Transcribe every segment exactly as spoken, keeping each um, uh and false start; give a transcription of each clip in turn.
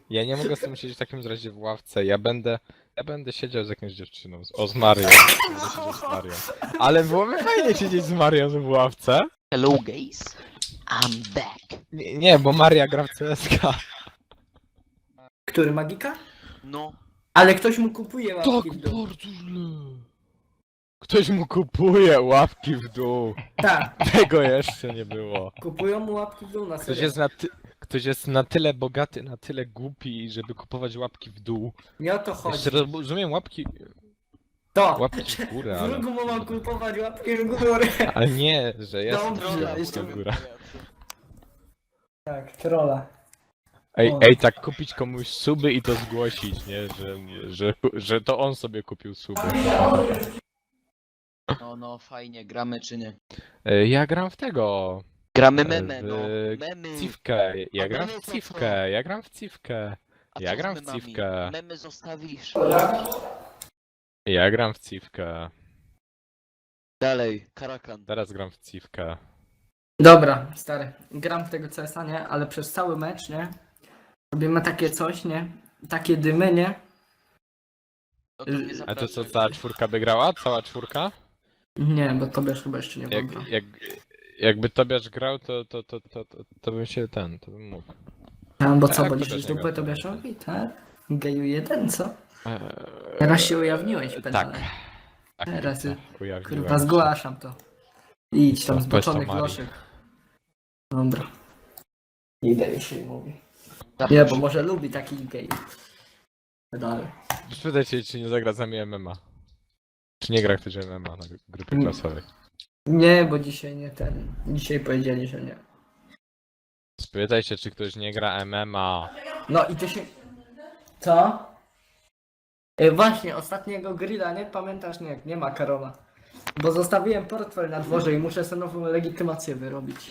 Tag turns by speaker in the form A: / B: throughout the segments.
A: Ja nie mogę z tym siedzieć w takim razie w ławce. Ja będę. Ja będę siedział z jakąś dziewczyną. z- O, z Marią. Będę siedział z Marią. Ale byłoby fajnie siedzieć z Marią w ławce.
B: Hello guys, I'm back.
A: Nie, nie, bo Maria gra w C S K.
C: Który, Magika?
B: No,
C: Ale ktoś mu kupuje
A: Tak
C: łapki w dół.
A: bardzo źle. Ktoś mu kupuje łapki w dół.
C: Tak,
A: Tego jeszcze nie było.
C: kupują mu łapki w dół na
A: Ktoś
C: serio.
A: jest na, ty... Ktoś jest na tyle bogaty, na tyle głupi, żeby kupować łapki w dół.
C: Nie o to chodzi.
A: Jeszcze rozumiem łapki.
C: To!
A: Łapki w górę, ale.
C: Wrógu mu mam kupować łapki w górę.
A: Ale nie, że jest
C: Dobrze,
A: łapki
C: jeszcze
A: w górę.
C: Tak, trolla.
A: Ej,
C: O.
A: ej, tak kupić komuś suby i to zgłosić, nie? Że, że, że to on sobie kupił suby.
B: no, no, fajnie, gramy czy nie?
A: E, Ja gram w tego.
B: Gramy
A: e,
B: memy,
A: w
B: no, memy.
A: Cifkę. Ja
B: A
A: gram
B: memy
A: w
B: to
A: Cifkę. Ja gram w Cifkę.
B: A
A: Ja
B: co z
A: gram w
B: memami?
A: Cifkę.
B: Memy zostawisz.
A: Ja gram w Cifkę.
B: Dalej, Karakan.
A: Teraz gram w Cifkę.
C: Dobra, stary. Gram w tego C S a, nie? Ale przez cały mecz, nie? Robimy takie coś, nie? Takie dymy, nie?
B: No to mnie
A: A to
B: zapraszaj.
A: co, cała czwórka by grała? Cała czwórka?
C: Nie, bo tobie chyba jeszcze nie wygra.
A: Jak, jak, jakby Tobiasz grał, to, to, to, to, to, to bym się ten, to bym mógł.
C: A, bo co,
A: Tak,
C: bo
A: Tobiasz
C: liczysz
A: nie
C: dupę
A: gra.
C: Tobiaszowi, tak? Geju jeden, co?
A: Eee,
C: Teraz się ujawniłeś, pedale.
A: Tak. Tak,
C: Teraz,
A: tak, ujawniłem
C: Kurwa,
A: się.
C: zgłaszam to. Idź tam
A: To
C: z
A: bez
C: boczonych
A: Tamari.
C: loszek. Dobra. Idę mi się mówi.
B: Zapraszaj.
C: Nie, bo może lubi taki gej. Dalej.
A: Spytaj się, czy nie zagra z nami M M A. Czy nie gra ktoś M M A na grupie
C: Mm.
A: klasowej.
C: Nie, bo dzisiaj nie ten. Dzisiaj powiedzieli, że nie.
A: Spytaj się, czy ktoś nie gra M M A.
C: No i ty się... Co? E, właśnie, ostatniego grilla, nie pamiętasz? Nie, nie ma Karola. Bo zostawiłem portfel na dworze i muszę sobie nową legitymację wyrobić.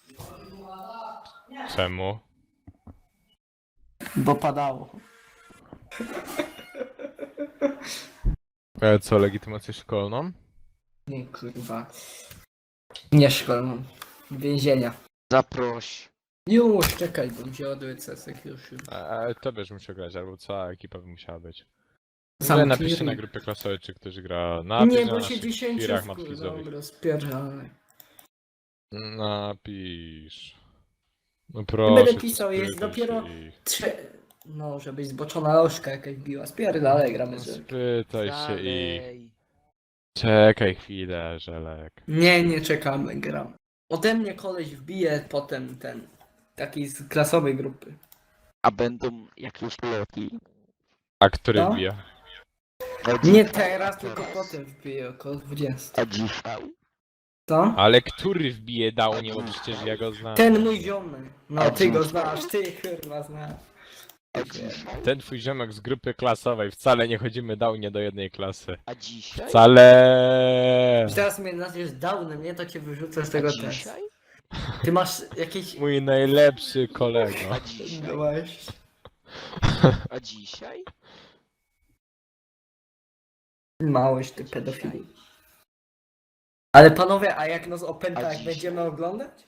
A: Czemu?
C: Bo padało.
A: Ale co, legitymację szkolną?
C: Nie, kurwa. Nie szkolną. Więzienia.
B: Zaproś.
C: Już, czekaj, bo mi się ładuje cesek już. już.
A: A, ale to byś musiał grać, albo cała ekipa by musiała być.
C: Sam
A: Ale napiszcie
C: clearing.
A: na grupie klasowej, czy ktoś gra na
C: Nie,
A: na
C: bo
A: naszych
C: się dziesięciu
A: firach
C: wkur-
A: matwizowych.
C: Dobra, spierdolę.
A: Napisz. No
C: Nie
A: proszę.
C: będę
A: cię,
C: pisał, jest
A: spytaj
C: dopiero
A: się ich.
C: Trze... No, żebyś zboczona lożka jakaś biła. Spierdalaj, gramy
A: No
C: z...
A: spytaj się ich.
B: Dalej.
A: Czekaj chwilę, Żelek.
C: Nie, nie czekamy, gram. Ode mnie koleś wbije potem ten... Taki z klasowej grupy.
B: A będą jakieś loki?
A: A który
C: No.
A: wbija?
B: A
C: Nie
B: dzisiaj-
C: teraz, tylko potem wbije około dwudziestu.
B: A dzisiaj?
C: Co?
A: Ale który wbije dał, nie, bo przecież ja go znam.
C: Ten mój ziomek. No,
B: A
C: ty go
B: dziś-
C: znasz, ty kurwa znasz.
B: A dzisiaj?
A: Ten twój ziomek z grupy klasowej, wcale nie chodzimy dał nie do jednej klasy.
B: A dzisiaj?
A: Wcale!
C: I teraz mnie nazwiesz downem, nie? To cię wyrzucę z
B: A
C: tego testu.
B: dzisiaj?
C: Ty masz jakieś...
A: Mój najlepszy kolego.
B: A dzisiaj?
C: No właśnie.
B: A dzisiaj?
C: Małeś ty pedofili. Ale panowie, a jak nas opęta,
B: A
C: jak
B: dzisiaj?
C: będziemy oglądać?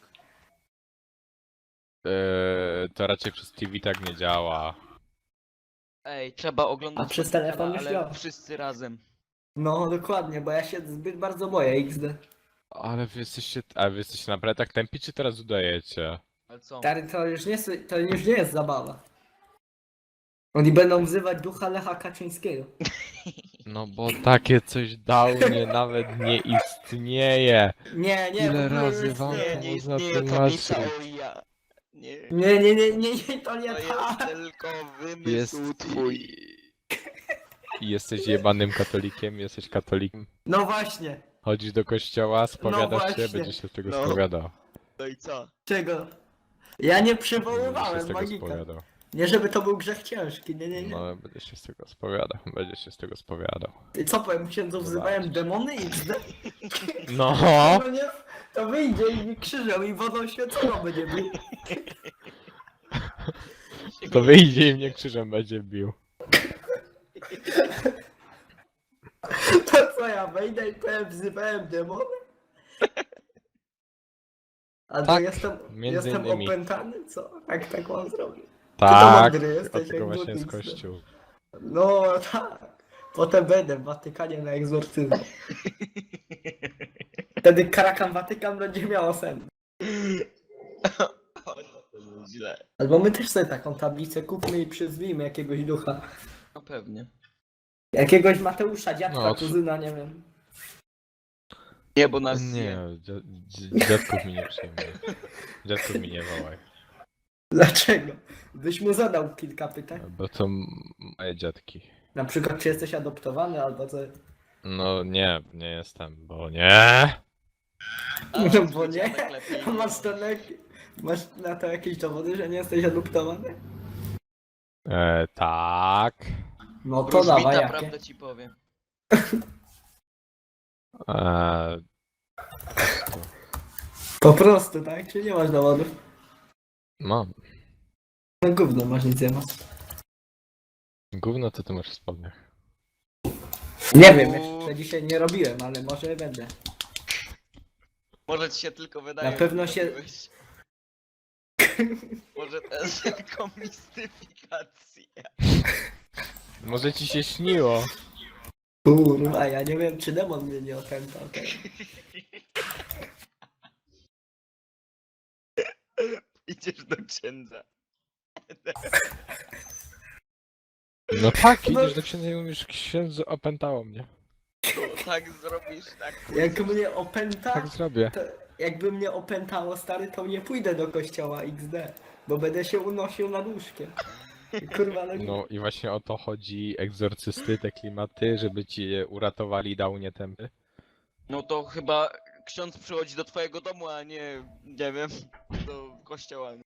A: Eee, to raczej przez T V tak nie działa.
B: Ej, trzeba oglądać.
C: A przez
B: Fortnite'a,
C: telefon już
B: ale
C: działa.
B: wszyscy razem.
C: No dokładnie, bo ja się zbyt bardzo boję X D.
A: Ale wy jesteście, a wy jesteście naprawdę tak tępi, czy teraz udajecie?
B: Ale co?
C: Stary, to już nie, s- to już nie jest zabawa. Oni będą wzywać ducha Lecha Kaczyńskiego.
A: No bo takie coś dał nie nawet nie istnieje.
C: Nie, nie,
A: Ile
C: w ogóle
A: razy
C: już
A: wam
C: nie.
A: to
B: nie,
A: można
B: nie, to nie
A: tłumaczyć?
B: cały ja. Nie.
C: Nie, nie, nie, nie, nie, to nie
B: To jest
C: tak.
B: tylko wymysł
A: Jest
B: twój.
A: I jesteś jebanym katolikiem, jesteś katolikiem.
C: No właśnie.
A: Chodzisz do kościoła, spowiadasz się,
C: właśnie.
A: będziesz się z tego
B: No.
A: spowiadał.
B: No i co?
C: Czego? Ja nie
A: Będziesz się
C: przywoływałem
A: z tego
C: magika.
A: spowiadał.
C: Nie, żeby to był grzech ciężki, nie, nie, nie.
A: No, będziesz się z tego spowiadał, będziesz się z tego spowiadał.
C: I co powiem, księdzu wzywałem
A: Zobaczysz.
C: demony X D?
A: No!
C: No nie, to wyjdzie i mi krzyżem i wodą święconą będzie bił.
A: To wyjdzie i mnie krzyżem będzie bił.
C: To co ja wejdę i powiem, wzywałem demony? A to
A: Tak,
C: jestem,
A: między
C: jestem
A: innymi.
C: opętany, co? Jak tak mam zrobić?
A: Tak,
C: mądry
A: od
C: jesteś,
A: tego
C: jak
A: właśnie jest
C: Bóg nic.
A: kościół.
C: No tak. Potem będę w Watykanie na egzorcyzmie. Wtedy Karakan Watykan będzie miał sen.
B: O, no to jest źle.
C: Albo my też sobie taką tablicę kupmy i przyzwijmy jakiegoś ducha.
B: No pewnie.
C: Jakiegoś Mateusza, dziadka,
A: No,
C: kuzyna, nie wiem.
B: Nie, bo nas
A: Nie,
B: zje.
A: dzia- dzi- dziadków mi nie przejmuje. Dziadków mi nie wołaj.
C: Dlaczego? Byś mu zadał kilka pytań.
A: Bo to m- moje dziadki.
C: Na przykład, czy jesteś adoptowany, albo co.
A: No nie, nie jestem, bo nie.
B: A,
C: No
B: twój
C: bo nie.
B: dziadek lepiej.
C: A masz, to na, masz na to jakieś dowody, że nie jesteś adoptowany?
A: E, tak.
C: No to dawaj,
B: Wróżbita
C: jakie?
B: prawdę ci powiem.
A: E, to,
C: Po prostu, tak? Czy nie masz dowodów?
A: mam.
C: No gówno masz, nic nie masz.
A: Gówno to ty masz w spodniach.
C: Nie wiem, jeszcze dzisiaj nie robiłem, ale może będę.
B: Może ci się tylko wydaje.
C: Na pewno
B: że
C: się-
B: robiłeś. Może to jest tylko mistyfikacja.
A: Może ci się śniło.
C: Kurwa, ja nie wiem, czy demon mnie nie opętał. Tak?
B: Idziesz do księdza.
A: No tak,
C: No-
A: idziesz do księdza i mówisz, księdzu opętało mnie.
B: To tak zrobisz, tak.
C: Jak mnie opęta,
A: Tak zrobię.
C: to jakby mnie opętało, stary, to nie pójdę do kościoła X D, bo będę się unosił nad łóżkiem. Kurwa, no,
A: No i właśnie o to chodzi egzorcysty, te klimaty, żeby ci je uratowali downie tempy.
B: No to chyba ksiądz przychodzi do twojego domu, a nie, nie wiem, do kościoła.